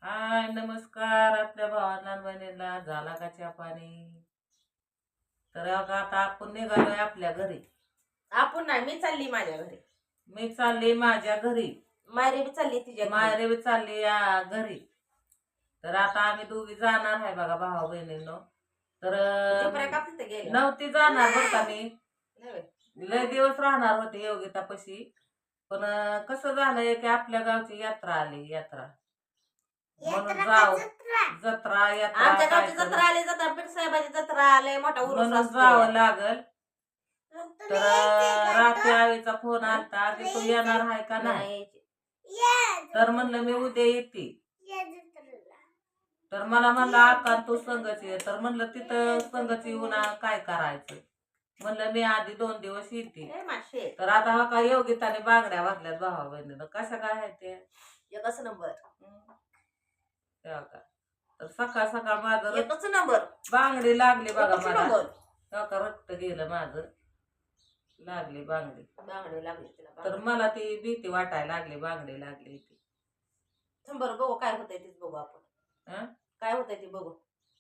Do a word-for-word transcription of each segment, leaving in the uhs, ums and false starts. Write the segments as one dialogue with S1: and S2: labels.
S1: हाय नमस्कार आपल्या भावांना बहिणीला झाला का चहा पाणी. तर आता आता आपण निघालोय आपल्या घरी.
S2: आपण नाही मी चालली माझ्या घरी.
S1: मी चालली माझ्या घरी.
S2: मायरे बी चालली तिच्या घरी.
S1: मायरे बी चालली या घरी. तर आता आम्ही दोघी जाणार आहे बघा भावा बहिणींनो. तर
S2: झोपऱ्या का तिथे गेले
S1: नव्हती जाणार बरं का मी.
S2: नाही व्हय.
S1: लय दिवस राहणार होते योगितापाशी. पण कसं झालंय की आपल्या गावची यात्रा आली यात्रा म्हणून जाव जत्रा यात्रा
S2: आमच्या
S1: काय
S2: गावची
S1: तर
S2: जत्रा आली जत्रा पीठ साहेबाची जत्रा आले मोठा उरुस
S1: म्हणून
S2: असतो.
S1: जावं लागल. तर रात्री आईचा फोन आलता की तू येणार आहे का नाही.
S2: नाही
S1: तर म्हणलं मी उद्या येते. तर मला म्हणलं आका तू संगच ये. तर म्हणलं तिथं संगच येऊन काय करायचं. म्हणलं मी आधी दोन दिवस येते.
S2: ए माशे
S1: तर आता हा काय योगिताने बांगड्या भरल्यात भावा बहिणीनं. कशा काय आहे ते
S2: एकच नंबर
S1: तेव्हा का. तर सकाळ सकाळ माझं रक्त-
S2: एकच नंबर
S1: बांगडी लागली बघा
S2: एकच
S1: मला.
S2: नंबर
S1: तेव्हा का रक्त गेलं माझं. लागली बांगडी.
S2: बांगडी लागली तिला.
S1: तर मला ती भीती वाटायला लागली बांगडी लागली ती.
S2: बरं बघू काय होतंय तीच बघू आपण.
S1: हं?
S2: काय होतंय ती बघू.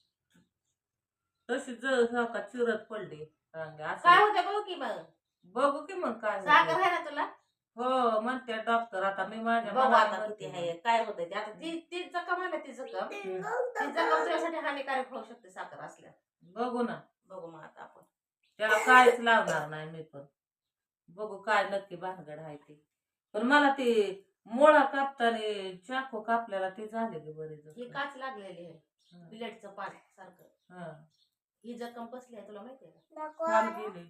S1: तशी जळ का चिरत पडली बांगडी असं.
S2: काय होतंय बघू की मग.
S1: बघू की मग काय
S2: साखर
S1: होतंय.
S2: आहे ना तुला.
S1: हो म्हणते डॉक्टर. आता मी माझ्या
S2: बघू
S1: मनाने
S2: आता
S1: म्हणते
S2: किती
S1: ना.
S2: आहे काय होतंय ते. आता ती ती जखम आहे ना ती जखम ती जखम तुझ्यासाठी हानिकारक होऊ शकते साखर असल्या.
S1: बघू ना.
S2: बघू मग आता आपण.
S1: त्याला काहीच लावणार नाही मी पण. बघू काय नक्की भानगड आहे ती. पण मला ती मुळा कापताना चाकू कापल्याला ती झाली की बरी
S2: ही
S1: जखम.
S2: काच लागलेली आहे
S1: हं.
S2: बिलेटचं पान सारखं.
S1: हं.
S2: ही जखम कसली आहे तुला माहिती आहे
S1: फार गेली.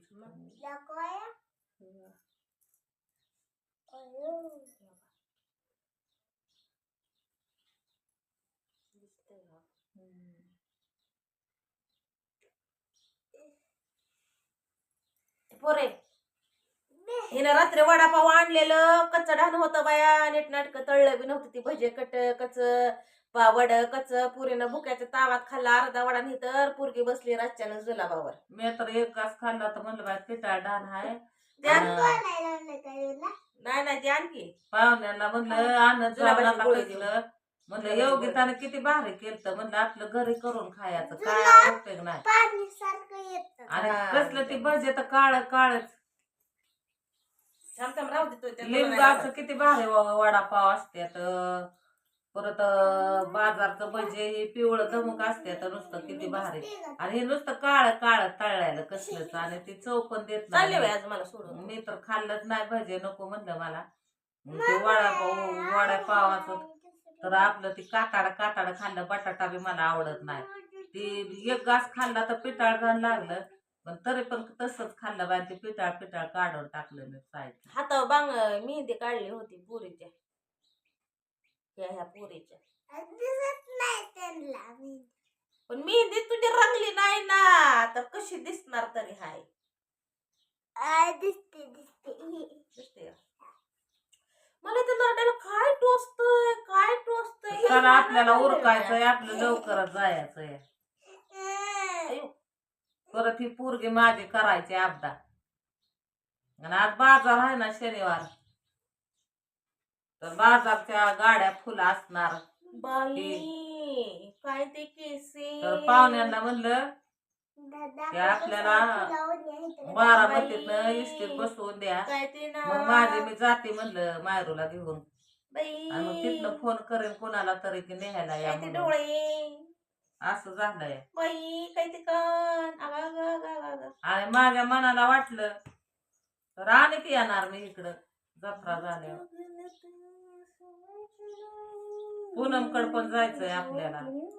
S2: पोरे हिनं रात्री वडापाव आणलेलं कच्च ढाण होतं बाया. नीट नाटक तळलं बी नव्हतं ती भजे कट कच वड कच पुरीनं भुक्याच्या तावात खाल्ला अर्धा वडा नाही तर पुरगी बसली रातच्यानं जुलाबावर.
S1: मी तर एक घास खाल्ला तर म्हणलं बाय पिटाळ डान आहे.
S2: त्या
S1: अन
S2: नाही नाही ते आणखी
S1: पाहुण्याला म्हणलं आणत
S2: जुलाबाची
S1: जाऊन आता
S2: गोळी
S1: कसलं. म्हणलं
S2: जुलाबाची
S1: योगिताने किती भारी केलं. म्हणलं आपलं घरी करून खायचं काय उपयोग नाही. आणि
S2: हा.
S1: कसलं ती भजे तर काळ काळच.
S2: थांब थांब राहू देतोय त्या
S1: लिंबाचं किती भारी व- वडापाव असत्यात. परत बाजारचं भजे हे पिवळं धमक असत्यात नुसतं किती भारी. आणि हे नुसतं काळ काळ तळलेलं कसलंच. आणि ती चव पण देत
S2: चालले बाई
S1: नाही.
S2: आज मला सोडून.
S1: मी तर खाल्लंच नाही भजे नको म्हणलं मला. ते वडापाव वडापावाचं तर आपलं ती काटाड काटाड खाल्लं. बटाटा बी मला आवडत नाही. ती एक घास खाल्ला तर पिटाळ घाण लागलं. पण तरी पण तसंच खाल्लं बाय. ते पिटाळ पिटाळ काढून टाकलं मी साईड.
S2: हातावर बांग मेहंदी काढली होती पुरीच्या. ह्या ह्या पुरीच्या पण मेहंदी तुझी रंगली नाही ना तर कशी दिसणार तरी हाय. दिसते दिसते मला तर नरड्याला काय टोचतंय काय टोचतंय.
S1: चला आपल्याला उरकायचंय. आपलं लवकरच जायचंय. परत ही पोरगी माझी करायची आपदा. आणि आज बाजार आहे ना शनिवार. तर बाजारच्या गाड्या फुल असणार.
S2: बाई काय ते केसे.
S1: तर पाहुण्यांना म्हणलं की आपल्याला बारामतीतनं इस्टेट बसवून द्या.
S2: काय ते ना
S1: मग माझे मी जाते म्हणलं मायरूला घेऊन.
S2: बाई
S1: आणि मग तिथनं फोन करेन कोणाला तरी की न्यायला या
S2: काय ते
S1: म्हणून.
S2: डोळे
S1: असं झालंय.
S2: बाई काय ते कान आगा आगा आगा आगा.
S1: आणि माझ्या मनाला वाटलं तर आणि की येणार मी इकडं जत्रा झाल्यावर. पूनमकड पण जायचंय आपल्याला.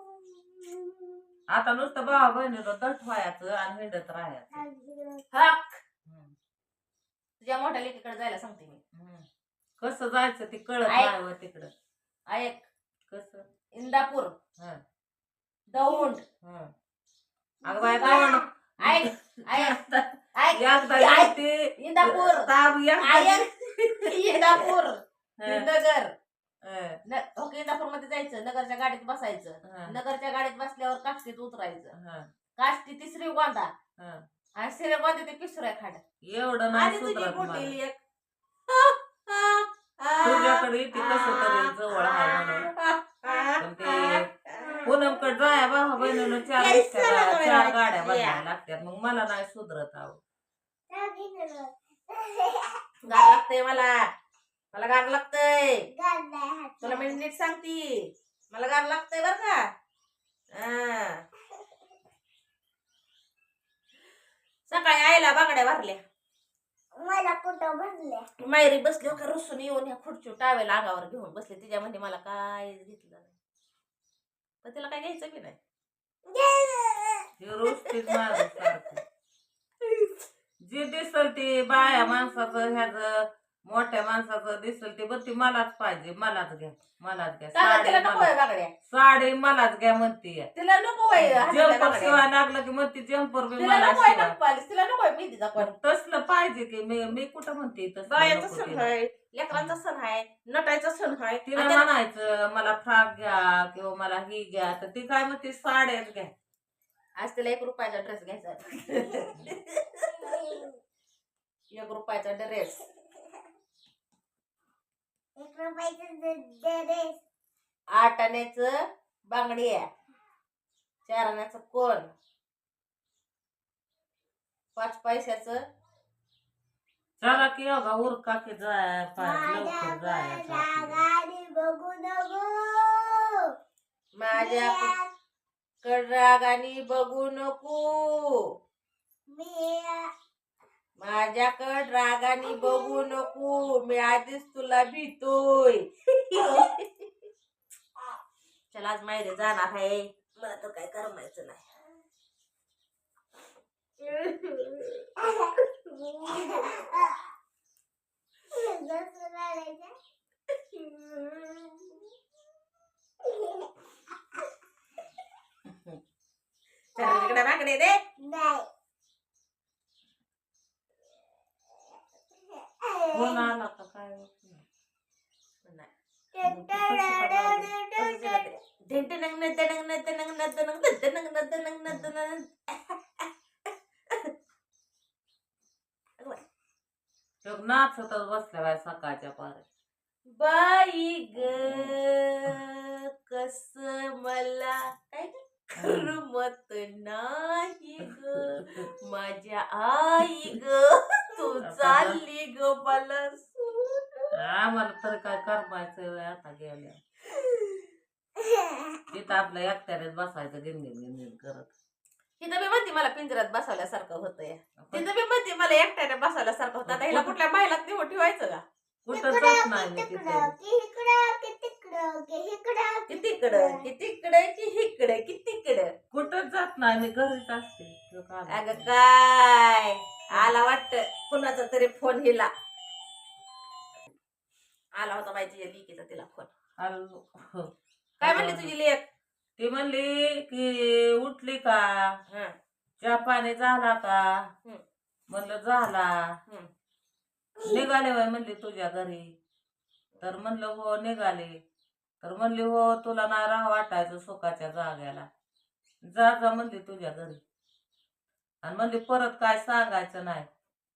S1: आता नुसतं भावा बहिणीला दट व्हायचं आणि हिंडत राहायचं.
S2: हक
S1: हम्म.
S2: तुझ्या मोठ्या लेकीकडे जायला सांगते मी.
S1: हम्म. कसं जायचं ते कळत
S2: ऐक.
S1: नाही व तिकडं.
S2: ऐक
S1: कसं
S2: इंदापूर
S1: हं.
S2: दौंड
S1: हं. अगं बाय दौंड
S2: ऐक ऐक ऐक
S1: एकदा
S2: ऐक.
S1: येते
S2: इंदापूर
S1: ताब एकदा
S2: ऐक इंदापूर
S1: हं.
S2: नगर
S1: हं.
S2: न- ओके इंदापूर मध्ये जायचं नगरच्या गाडीत बसायचं.
S1: हं.
S2: नगरच्या गाडीत बसल्यावर काष्टीत उतरायचं.
S1: हं.
S2: काष्टी तिसरी गोंदा
S1: हं.
S2: आणि सिरे गोंदा ते पिसऱ्या खाड
S1: एवढं
S2: आणि
S1: नाही
S2: तुझी
S1: सुधरत
S2: मोठी
S1: मला.
S2: लेक
S1: तुझ्याकडे येते कसं तरी जवळ आहे म्हणून. पण ते पूनमकडे जाया भावा बहिणीनं चार
S2: तेच
S1: रिक्षा
S2: मला
S1: चार
S2: म्हणायचं.
S1: गाड्या
S2: या.
S1: बदलायला लागतात मग मला नाही सुधरत आहो
S2: गार लागतंय मला मला गार लागतंय तुला मी नीट सांगती मला गार लागतंय बर का हा. सकाळी आईला बांगड्या भरल्या
S3: मला कुठं भरल्या
S2: मायरी बसली हो का रुसून येऊन ह्या खुर्ची टावेल अंगावर घेऊन बसले तिच्या म्हणजे मला काय घेतलं नाही पण तिला काय घ्यायचं बी नाही
S1: हे रोज तेच माझं सारखं जे दिसल ते बाया माणसाचं ह्याच मोठ्या माणसाचं दिसल ते बघ ती मलाच पाहिजे मलाच घ्या मलाच घ्या
S2: का
S1: साडी
S2: तिला नको
S1: मला-
S2: आहे बांगड्या
S1: साडी मलाच घ्या म्हणते
S2: तिला नको आहे हातातल्या
S1: जम्पर
S2: बांगड्या.
S1: शिवाय लागलं की म्हणते जम्पर बी
S2: तिला
S1: मला
S2: नको आहे
S1: शिवाय
S2: नखपालीस, तिला नको आहे मेहंदीचा कोण
S1: तसलं पाहिजे की मी मी कुठं म्हणते तसलं
S2: बायाचा
S1: नको
S2: सण
S1: तिला.
S2: आहे लेकरांचा सण आहे नटायचा सण आहे
S1: तिला
S2: आणि त्या-
S1: म्हणायचं मला फ्रॉक घ्या किंवा मला ही घ्या तर ती काय म्हणते साड्याच घ्या
S2: आज तिला एक रुपयाचा ड्रेस घ्यायचा एक रुपयाचा ड्रेस
S3: एक रुपयाचं ड्रेस
S2: आठ आण्याचं बांगडी आहे चार आण्याचं कोण पाच पैशाचं
S1: चला की अगा उरका की जाय पाय लवकर जायचं आपल्याला.
S3: गाडी बघू नको
S2: माझ्या रागाने बघू नको
S3: मी
S2: माझ्याकड रागाने बघू नको मी आधीच तुला भीतोय चला आज माहेरी जाणार आहे मला तर काय करमायचं नाही चला इकडे माकडे दे
S1: फोन आला का काय तो नाचतच बसल्या बाय सकाळच्या पार
S2: बाई ग कस मला काय करमत नाही ग माझ्या आई ग तू चालली ग मला सोडून.
S1: आम्हाला तर काय करमायचं आता गेल्या तिथं आपल्या एकट्यानेच बसायचं गिनगिन गिनगिन करत
S2: तिथं मी म्हणते मला पिंजऱ्यात बसवल्यासारखं होतंय तिथं मी म्हणते मला एकट्याने बसवल्यासारखं होतं आता हिला कुठल्या बायलात निवड ठेवायचं का
S1: कुठं जात नाही मी तिथं
S2: कितीकडं कितीकडं की हिकडं कितीकडं
S1: कुठंच जात नाही मी घरीच असते तो का-
S2: अगं काय आला वाटत कुणाचा तरी फोन हिला आला होता बाई तुझ्या लिकीचा तिला फोन
S1: आलो.
S2: काय म्हणली तुझी लेक
S1: ती म्हणली की उठली का
S2: हं,
S1: चहा पाणी झाला का
S2: हं.
S1: म्हणलं झाला
S2: हं.
S1: निघाले बाई म्हणली तुझ्या घरी तर म्हणलं हो निघाले तर म्हणली हो तुला नाही राह वाटायचं सुखाच्या जाग्याला जा जा म्हणली तुझ्या घरी आणि म्हणली परत काय सांगायचं नाही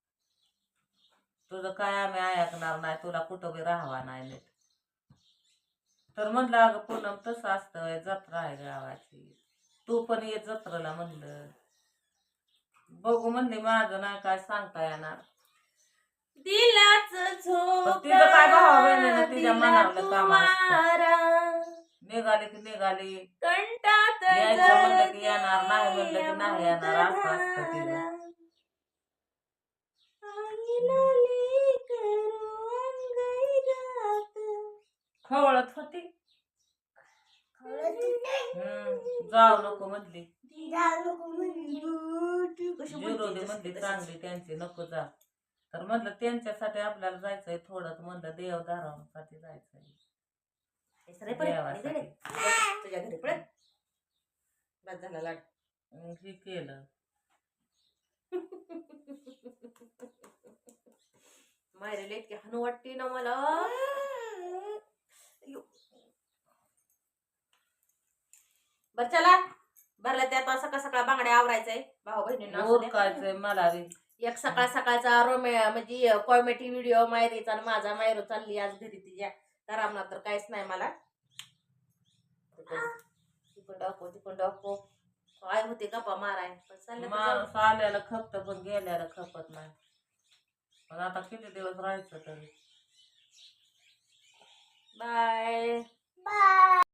S1: तुझं काय आम्ही ऐकणार नाही तुला कुठं बी राहावा नाही नीट तर म्हणलं अगं पूनम तसं असतं जत्रा आहे गावाची तू पण ये जत्रेला म्हणलं बघू म्हणली माझं नाही काय सांगता येणार
S2: दिलाच
S1: पण तिचं काय भावा बहिणीनं तिच्या मनावलं काम असतं.
S2: झोकारा
S1: निघाली की निघाली
S2: कंटात
S1: यायचं म्हणलं की येणार नाही म्हणलं की नाही येणार असं असतं तिचं खवळत होती हम्म जाऊ नको म्हणली जिरोली म्हणली चांगली त्यांची नको जा तर म्हणलं त्यांच्यासाठी आपल्याला जायचंय थोडं म्हणलं देवदारासाठी जायचंय देवासाठी
S2: तुझ्या घरी पडत बस झाला लाड
S1: मग हे केलं
S2: मायरेला इतकी हनू वाटते ना मला बर चला भरला त्या आता सकाळ सकाळ बांगड्या आवरायचंय भाऊ बहिणींना असू द्या.
S1: ओळखायचंय मला बी
S2: एक सकाळ सकाळचा रोमे म्हणजे कॉमेडी व्हिडिओ मायरीचा आणि माझा मायरो चालली आज घरी तिच्या तर आम्हाला तर काहीच नाही मला तिकडं इकडं डॉको आई होते गप्पा माराय पण चाललं तर जाऊ.
S1: माणूस आल्याला खपत पण गेल्याला खपत नाही. पण आता किती दिवस राहायचं तरी.
S2: बाय.
S3: बाय.